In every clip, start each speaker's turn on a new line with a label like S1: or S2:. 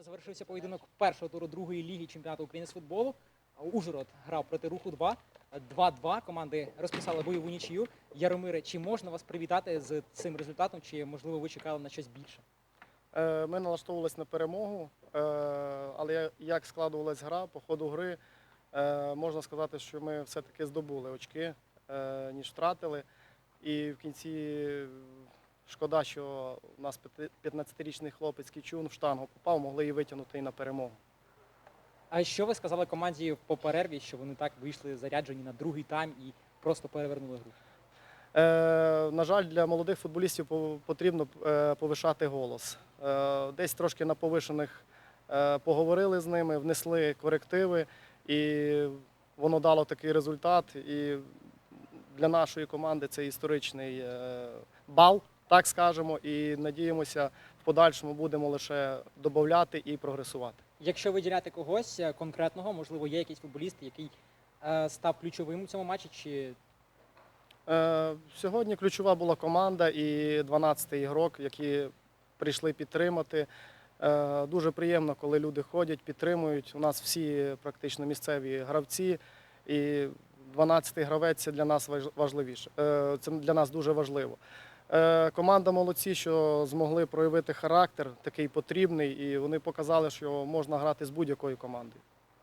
S1: Щойно завершився поєдинок першого туру другої ліги чемпіонату України з футболу. Ужгород грав проти Руху 2. 2-2. Команди розписали бойову нічию. Яромире, чи можна вас привітати з цим результатом, чи, можливо, ви чекали на щось більше?
S2: Ми налаштовувалися на перемогу, але як складувалась гра, по ходу гри, можна сказати, що ми все-таки здобули очки, ніж втратили. І в кінці шкода, що у нас 15-річний хлопець Кічун в штангу попав, могли її витягнути і на перемогу.
S1: А що ви сказали команді по перерві, що вони так вийшли заряджені на другий тайм і просто перевернули гру?
S2: На жаль, для молодих футболістів потрібно повишати голос. Десь трошки на повишених поговорили з ними, внесли корективи, і воно дало такий результат. І для нашої команди це історичний бал, так скажемо, і надіємося, в подальшому будемо лише додавати і прогресувати.
S1: Якщо виділяти когось конкретного, можливо, є якийсь футболіст, який став ключовим у цьому матчі, чи
S2: Сьогодні ключова була команда і 12-й ігрок, які прийшли підтримати. Дуже приємно, коли люди ходять, підтримують. У нас всі практично місцеві гравці, і 12-й гравець – це для нас важливіше. Це для нас дуже важливо. Команда молодці, що змогли проявити характер, такий потрібний, і вони показали, що можна грати з будь-якою командою.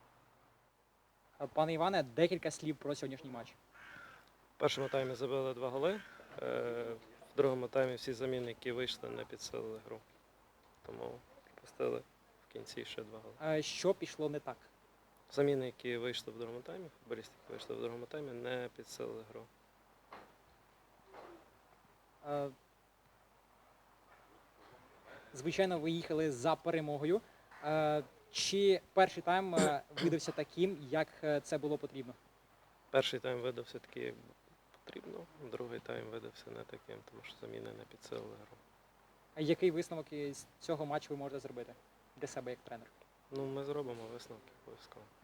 S1: пане Іване, декілька слів про сьогоднішній матч?
S3: В першому таймі забили 2 голи, в другому таймі всі замінники вийшли, не підсилили гру. Тому пропустили в кінці ще 2 голи.
S1: Що пішло не так?
S3: Заміни, які вийшли в другому таймі, футболісти, які вийшли в другому таймі, не підсилили гру.
S1: Звичайно, ви їхали за перемогою. Чи перший тайм видався таким, як це було потрібно?
S3: Перший тайм видався такий, як потрібно, другий тайм видався не таким, тому що заміни не підсилили гру.
S1: А який висновок із цього матчу ви можете зробити для себе як тренер?
S3: Ну, ми зробимо висновки обов'язково.